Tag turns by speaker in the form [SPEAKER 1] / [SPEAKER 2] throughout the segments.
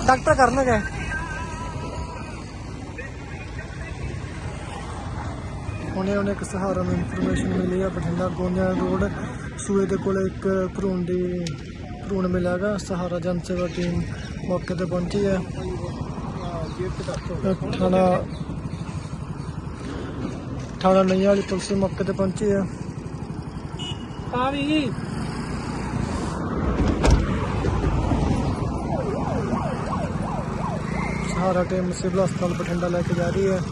[SPEAKER 1] Doctor करने गए उन्हें एक सहारा में इन्फॉर्मेशन मिली है बठिंडा गोंदिया रोड सूए के कोल एक भ्रूण मिला है। सहारा जन सेवा टीम मौके पर पहुंची है। थाना नैया वाली पुलिस मौके पर पहुंची है। सहारा टीम सिविल अस्पताल बठिंडा लेके जा रही है।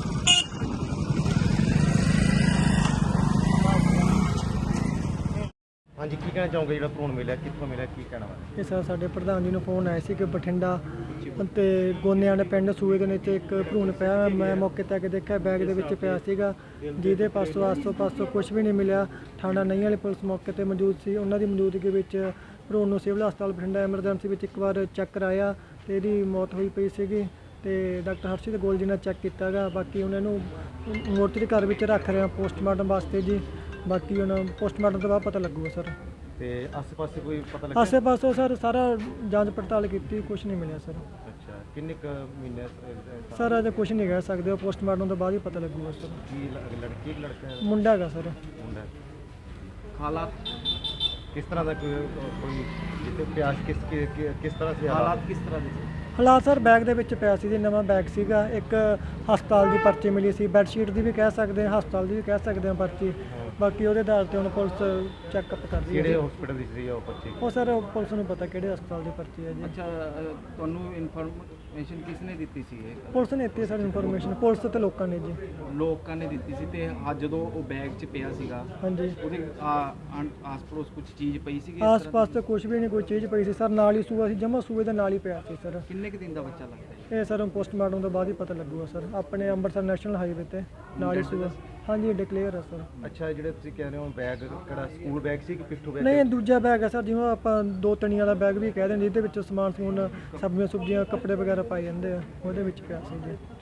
[SPEAKER 2] हाँ जी की कहना चाहूँगे जो भ्रूण मिले कितों मिले की कहना वा
[SPEAKER 1] ਇਹ ਸਰ ਸਾਡੇ ਪ੍ਰਧਾਨ ਜੀ ਨੂੰ ਫੋਨ ਆਇਆ ਸੀ ਕਿ ਬਠਿੰਡਾ ਤੇ ਗੋਨਿਆਂ ਦੇ ਪਿੰਡ ਸੂਏ ਦੇ ਨੀਚੇ ਇੱਕ ਭਰੂਣ ਪਿਆ। ਮੈਂ ਮੌਕੇ ਤੇ ਆ ਕੇ ਦੇਖਿਆ ਬੈਗ ਦੇ ਵਿੱਚ ਪਿਆ ਸੀਗਾ, ਜਿਹਦੇ ਪਾਸੋਂ ਆਸੋਂ-ਪਾਸੋਂ ਕੁਝ ਵੀ ਨਹੀਂ ਮਿਲਿਆ। ਥਾਣਾ ਨਈਆਂ ਵਾਲੀ ਪੁਲਿਸ ਮੌਕੇ ਤੇ ਮੌਜੂਦ ਸੀ। ਉਹਨਾਂ ਦੀ ਮੌਜੂਦਗੀ ਵਿੱਚ ਭਰੂਣ ਨੂੰ ਸਿਵਲ ਹਸਪਤਾਲ ਬਠਿੰਡਾ ਐਮਰਜੈਂਸੀ ਵਿੱਚ ਇੱਕ ਵਾਰ ਚੈੱਕ ਕਰਾਇਆ ਤੇ ਇਹਦੀ ਮੌਤ ਹੋਈ ਪਈ ਸੀਗੀ ਤੇ ਡਾਕਟਰ ਹਰਸ਼ਿਤ ਗੋਲ ਜੀ ਨੇ ਚੈੱਕ ਕੀਤਾ ਗਾ। ਬਾਕੀ ਉਹਨਾਂ ਨੂੰ ਮੋਰਚਰੀ ਘਰ ਵਿੱਚ ਰੱਖ ਰਿਹਾ ਪੋਸਟਮਾਰਟਮ ਵਾਸਤੇ ਜੀ। ਬਾਕੀ ਹੁਣ ਪੋਸਟਮਾਰਟਮ ਤੋਂ ਬਾਅਦ ਪਤਾ ਲੱਗੂਗਾ ਸਰ।
[SPEAKER 2] ਤੇ ਆਸ-ਪਾਸੇ ਕੋਈ ਪਤਾ ਲੱਗਾ
[SPEAKER 1] ਆਸੇ-ਪਾਸੇ ਸਰ ਸਾਰਾ ਜਾਂਚ ਪੜਤਾਲ ਕੀਤੀ, ਕੁਝ ਨਹੀਂ ਮਿਲਿਆ ਸਰ।
[SPEAKER 2] ਅੱਛਾ ਕਿੰਨੇ ਕੁ ਮਹੀਨੇ
[SPEAKER 1] ਸਰ ਅਜੇ ਕੁਝ ਨਹੀਂ ਕਹਿ ਸਕਦੇ, ਉਹ ਪੋਸਟਮਾਰਟਮ ਤੋਂ ਬਾਅਦ ਹੀ ਪਤਾ ਲੱਗੂਗਾ ਸਰ।
[SPEAKER 2] ਕੀ ਲੜਕੀ ਕਿ ਲੜਕਾ ਹੈ?
[SPEAKER 1] ਮੁੰਡਾ ਹੈਗਾ ਸਰ।
[SPEAKER 2] ਮੁੰਡਾ ਹਾਲਾਤ ਕਿਸ ਤਰ੍ਹਾਂ ਦਾ ਕੋਈ ਜਿੱਥੇ ਪਿਆਸ ਕਿਸ ਤਰ੍ਹਾਂ ਸੇ ਹਾਲਾਤ ਕਿਸ ਤਰ੍ਹਾਂ ਦੇ ਸੀ?
[SPEAKER 1] ਹਾਲਾਤ ਸਰ ਬੈਗ ਦੇ ਵਿੱਚ ਪਿਆ ਸੀ ਜੀ, ਨਵਾਂ ਬੈਗ ਸੀਗਾ। ਇੱਕ ਹਸਪਤਾਲ ਦੀ ਪਰਚੀ ਮਿਲੀ ਸੀ, ਬੈੱਡਸ਼ੀਟ ਦੀ ਵੀ ਕਹਿ ਸਕਦੇ ਹਾਂ, ਹਸਪਤਾਲ ਦੀ ਵੀ ਕਹਿ ਸਕਦੇ ਹਾਂ ਪਰਚੀ। ਬਾਕੀ ਉਹਦੇ ਆਧਾਰ ਤੇ ਹੁਣ ਪੁਲਿਸ ਚੈੱਕਅਪ ਕਰ ਰਹੀ ਹੈ।
[SPEAKER 2] ਕਿਹੜੇ ਹਸਪੀਟਲ ਦੀ ਸੀ ਉਹ ਪਰਚੀ?
[SPEAKER 1] ਉਹ ਸਰ ਪੁਲਿਸ ਨੂੰ ਪਤਾ ਕਿਹੜੇ ਹਸਪਤਾਲ ਦੀ ਪਰਚੀ ਹੈ ਜੀ।
[SPEAKER 3] ਅੱਛਾ ਤੁਹਾਨੂੰ ਇਨਫੋਰਮੇਸ਼ਨ ਕਿਸ ਨੇ ਦਿੱਤੀ ਸੀ ਇਹ?
[SPEAKER 1] ਪੁਲਿਸ ਨੇ ਦਿੱਤੀ ਸਰ ਇਨਫੋਰਮੇਸ਼ਨ, ਪੁਲਿਸ ਤੇ ਲੋਕਾਂ ਨੇ ਜੀ।
[SPEAKER 3] ਲੋਕਾਂ ਨੇ ਦਿੱਤੀ ਸੀ ਤੇ ਜਦੋਂ ਉਹ ਬੈਗ 'ਚ ਪਿਆ ਸੀਗਾ
[SPEAKER 1] ਹਾਂਜੀ
[SPEAKER 3] ਉਹਦੇ ਆਸ-ਪੜੋਸ ਕੁਝ ਚੀਜ਼ ਪਈ ਸੀਗੀ?
[SPEAKER 1] ਆਸ-ਪਾਸ ਤੇ ਕੁਝ ਵੀ ਨਹੀਂ ਕੋਈ ਚੀਜ਼ ਪਈ ਸੀ ਸਰ। ਨਾਲ ਹੀ ਸੂਆ ਸੀ, ਜਮਾ ਸੂਏ ਦੇ ਨਾਲ ਹੀ ਪਿਆ ਸੀ ਸਰ।
[SPEAKER 3] ਕਿੰਨੇ ਕੁ ਦਿਨ ਦਾ ਬੱਚਾ ਲੱਗਦਾ ਹੈ?
[SPEAKER 1] ਇਹ ਸਰ ਪੋਸਟਮਾਰਟਮ ਤੋਂ ਬਾਅਦ ਹੀ ਪਤਾ ਲੱਗੂਗਾ ਸਰ। ਆਪਣੇ ਅੰਮ੍ਰਿਤਸਰ ਨੈਸ਼ਨਲ ਹਾਈਵੇ ਤੇ ਨਾਲ ਹੀ ਸੂਆ। ਹਾਂਜੀ ਡਿਕਲੇਅਰ ਹੈ ਸਰ।
[SPEAKER 2] ਅੱਛਾ ਜਿਹੜੇ ਤੁਸੀਂ ਕਹਿ ਰਹੇ ਹੋ ਬੈਗ ਕਿਹੜਾ ਸਕੂਲ ਬੈਗ ਸੀ ਕਿ ਪਿੱਠੂ ਬੈਗ?
[SPEAKER 1] ਨਹੀਂ ਦੂਜਾ ਬੈਗ ਹੈ ਸਰ, ਜਿਵੇਂ ਆਪਾਂ 2 ਤਣੀਆਂ ਵਾਲਾ ਬੈਗ ਵੀ ਕਹਿ ਦਿੰਦੇ, ਜਿਹਦੇ ਵਿੱਚ ਸਮਾਨ ਸਮੂਨ ਸਬਜ਼ੀਆਂ ਕੱਪੜੇ ਵਗੈਰਾ ਪਾਏ ਜਾਂਦੇ ਆ, ਉਹਦੇ ਵਿੱਚ ਪਿਆ ਸੀ ਜੀ।